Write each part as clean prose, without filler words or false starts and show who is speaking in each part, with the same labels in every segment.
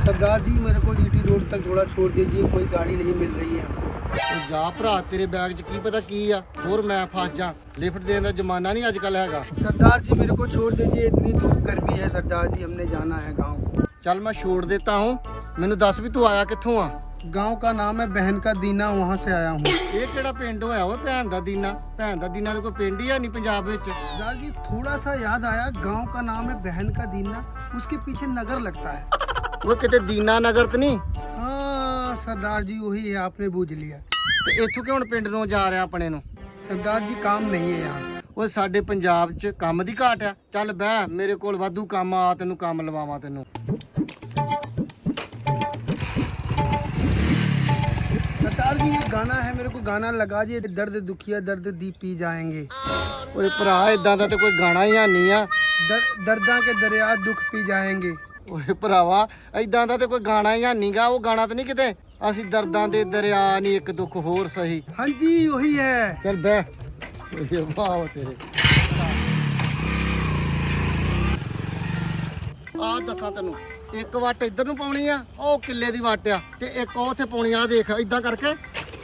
Speaker 1: सरदार जी मेरे को GT road तक थोड़ा छोड़ दीजिए, कोई गाड़ी नहीं मिल रही है हमको।
Speaker 2: ਉਹ ਜਾ ਭਰਾ ਤੇਰੇ ਬੈਗ 'ਚ ਕੀ ਪਤਾ ਕੀ ਆ ਹੋਰ ਮੈਂ ਫਸ ਜਾ ਲਿਫਟ ਦੇਣ ਦਾ ਜ਼ਮਾਨਾ ਨਹੀਂ ਅੱਜ ਕੱਲ ਹੈਗਾ
Speaker 1: सरदार जी मेरे को छोड़ दीजिए, इतनी धूप गर्मी है सरदार जी, हमने जाना है गाँव।
Speaker 2: ਚੱਲ ਮੈਂ ਛੋੜ ਦਿੱਤਾ ਹੂੰ ਮੈਨੂੰ ਦੱਸ ਵੀ ਤੂੰ ਆਇਆ ਕਿੱਥੋਂ ਆ
Speaker 1: गांव का नाम है बहन का दीना, वहाँ से आया हूँ।
Speaker 2: ਇਹ ਕਿਹੜਾ ਪਿੰਡ ਹੋਇਆ ਓਏ ਭੈਣ ਦਾ ਦੀਨਾ ਤਾਂ ਕੋਈ ਪਿੰਡ ਹੀ ਆ ਨਹੀਂ ਪੰਜਾਬ ਵਿੱਚ
Speaker 1: सरदार जी थोड़ा सा याद आया, गांव का नाम है बहन का दीना, उसके पीछे नगर लगता है।
Speaker 2: ਉਹ ਕਿਤੇ ਦੀਨਾ ਨਗਰ ਤੇ ਨਹੀਂ
Speaker 1: हाँ सरदार जी वही है, आपने बूझ लिया।
Speaker 2: ਤੇ ਇੱਥੋਂ ਕਿਉਂ ਹੁਣ ਪਿੰਡ ਨੂੰ ਜਾ ਰਿਹਾ ਆਪਣੇ ਨੂੰ
Speaker 1: सरदार जी काम नहीं है यहाँ।
Speaker 2: ਓਏ ਸਾਡੇ ਪੰਜਾਬ 'ਚ ਕੰਮ ਦੀ ਘਾਟ ਆ ਚੱਲ ਬਹਿ ਮੇਰੇ ਕੋਲ ਵਾਧੂ ਕੰਮ ਆ ਤੈਨੂੰ ਕੰਮ ਲਵਾਵਾਂ ਤੈਨੂੰ
Speaker 1: सरदार जी ये गाना है, मेरे को गाना लगा दिए, दर्द दुखिया दर्द दी पी जाएंगे।
Speaker 2: ਓਏ ਭਰਾ ਇਦਾਂ ਦਾ ਤੇ ਕੋਈ ਗਾਣਾ ਹੀ ਨਹੀਂ ਆ
Speaker 1: दर्दा के दरिया दुख पी जाएंगे।
Speaker 2: ਓਏ ਭਰਾਵਾ ਇਦਾਂ ਦਾ ਤੇ ਕੋਈ ਗਾਣਾ ਹੀ ਨਹੀਂਗਾ ਉਹ ਗਾਣਾ ਤੇ ਨਹੀਂ ਕਿਤੇ ਅਸੀਂ ਦਰਦਾਂ ਦੇ ਦਰਿਆ ਨਹੀਂ ਇੱਕ ਦੁੱਖ ਹੋਰ ਸਹੀ
Speaker 1: हाँ जी वही है।
Speaker 2: ਚੱਲ ਬਹਿ ਓਏ ਵਾਹ ਤੇਰੇ ਆ ਦੱਸਾਂ ਤੈਨੂੰ ਇੱਕ ਵੱਟ ਇੱਧਰ ਨੂੰ ਪਾਉਣੀ ਆ ਉਹ ਕਿੱਲੇ ਦੀ ਵੱਟ ਆ ਤੇ ਇੱਕ ਉਹ ਉੱਥੇ ਪਾਉਣੀ ਆ ਦੇਖ ਇਦਾਂ ਕਰਕੇ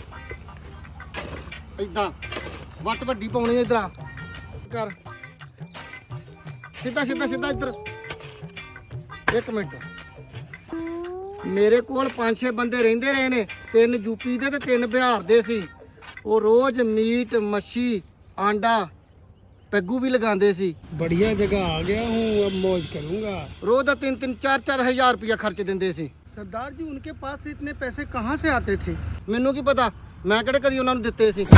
Speaker 2: ਇਦਾਂ ਵੱਟ ਵੱਡੀ ਪਾਉਣੀ ਆ ਇਧਰ ਕਰ ਸਿੱਧਾ ਸਿੱਧਾ ਸਿੱਧਾ ਇੱਧਰ ਇੱਕ ਮਿੰਟ ਮੇਰੇ ਕੋਲ 5-6 ਬੰਦੇ ਰਹਿੰਦੇ ਰਹੇ ਨੇ 3 ਯੂਪੀ ਦੇ ਤੇ 3 ਬਿਹਾਰ ਦੇ ਸੀ ਉਹ ਰੋਜ਼ ਮੀਟ ਮੱਛੀ ਆਂਡਾ ਪੈਗੂ ਵੀ ਲਗਾਉਂਦੇ ਸੀ
Speaker 1: बढ़िया जगह आ गया हूँ, अब मौज करूँगा।
Speaker 2: ਰੋਜ਼ ਦਾ 3-3 4-4 ਹਜ਼ਾਰ ਰੁਪਇਆ ਖਰਚ ਦਿੰਦੇ ਸੀ
Speaker 1: सरदार जी उनके पास से इतने पैसे कहाँ से आते थे?
Speaker 2: ਮੈਨੂੰ ਕੀ ਪਤਾ ਮੈਂ ਕਿਹੜੇ ਕਦੀ ਉਹਨਾਂ ਨੂੰ ਦਿੱਤੇ ਸੀ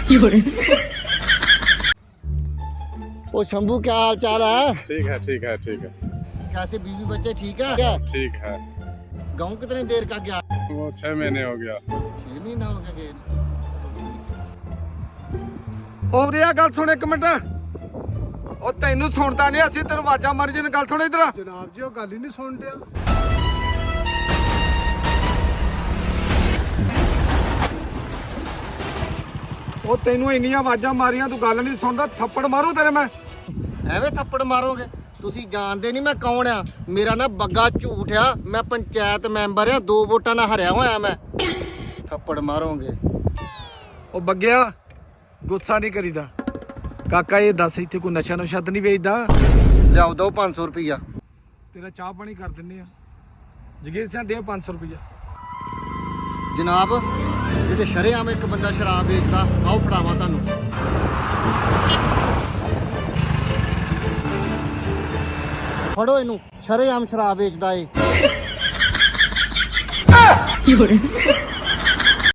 Speaker 2: ਉਹ ਸ਼ੰਭੂ ਕੀ ਹਾਲ ਚਾਲ ਹੈ
Speaker 3: ठीक है ठीक है ठीक है
Speaker 2: कैसे बीवी बच्चे ठीक है क्या
Speaker 3: ठीक है।
Speaker 2: गाँव कितनी देर का गया
Speaker 3: वो 6 महीने हो गया।
Speaker 2: 6 महीना हो गया गए
Speaker 4: ਹੋ ਰਿਹਾ ਗੱਲ ਸੁਣ ਇੱਕ ਮਿੰਟ ਉਹ ਤੈਨੂੰ ਸੁਣਦਾ ਨਹੀਂ ਅਸੀਂ ਤੈਨੂੰ ਆਵਾਜ਼ਾਂ ਮਾਰੀ ਜਨ ਗੱਲ ਸੁਣ ਇਧਰ
Speaker 1: जनाब जी वो गल ही नहीं सुन दिया।
Speaker 4: ਉਹ ਤੈਨੂੰ ਇੰਨੀਆਂ ਆਵਾਜ਼ਾਂ ਮਾਰੀਆਂ ਤੂੰ ਗੱਲ ਨਹੀਂ ਸੁਣਦਾ ਥੱਪੜ ਮਾਰੂ ਤੇਰੇ ਮੈਂ
Speaker 2: ਐਵੇਂ ਥੱਪੜ ਮਾਰੋਗੇ ਤੁਸੀਂ ਜਾਣਦੇ ਨਹੀਂ ਮੈਂ ਕੌਣ ਆ ਮੇਰਾ ਨਾ ਬੱਗਾ ਝੂਠ ਆ ਮੈਂ ਪੰਚਾਇਤ ਮੈਂਬਰ ਆ 2 ਵੋਟਾਂ ਨਾਲ ਹਰਿਆ ਹੋਇਆ ਮੈਂ ਥੱਪੜ ਮਾਰੋਗੇ
Speaker 4: ਉਹ ਬੱਗਿਆ ਗੁੱਸਾ ਨਹੀਂ ਕਰੀਦਾ ਕਾਕਾ ਇਹ ਦੱਸ ਇੱਥੇ ਕੋਈ ਨਸ਼ਾ ਨੁਸ਼ਾ ਤਾਂ ਨਹੀਂ ਵੇਚਦਾ
Speaker 2: ਲਿਆਓ ਦੋ 500 ਰੁਪਈਆ
Speaker 4: ਤੇਰਾ ਚਾਹ ਪਾਣੀ ਕਰ ਦਿੰਨੇ ਆ ਜਗੀਰ ਸਿੰਘ ਦੇ 500 ਰੁਪਈਆ
Speaker 2: ਜਨਾਬ ਜਿਹਦੇ ਸ਼ਰੇਆਮ ਇੱਕ ਬੰਦਾ ਸ਼ਰਾਬ ਵੇਚਦਾ ਆਓ ਫੜਾਵਾਂ ਤੁਹਾਨੂੰ ਫੜੋ ਇਹਨੂੰ ਸ਼ਰੇਆਮ ਸ਼ਰਾਬ ਵੇਚਦਾ ਏ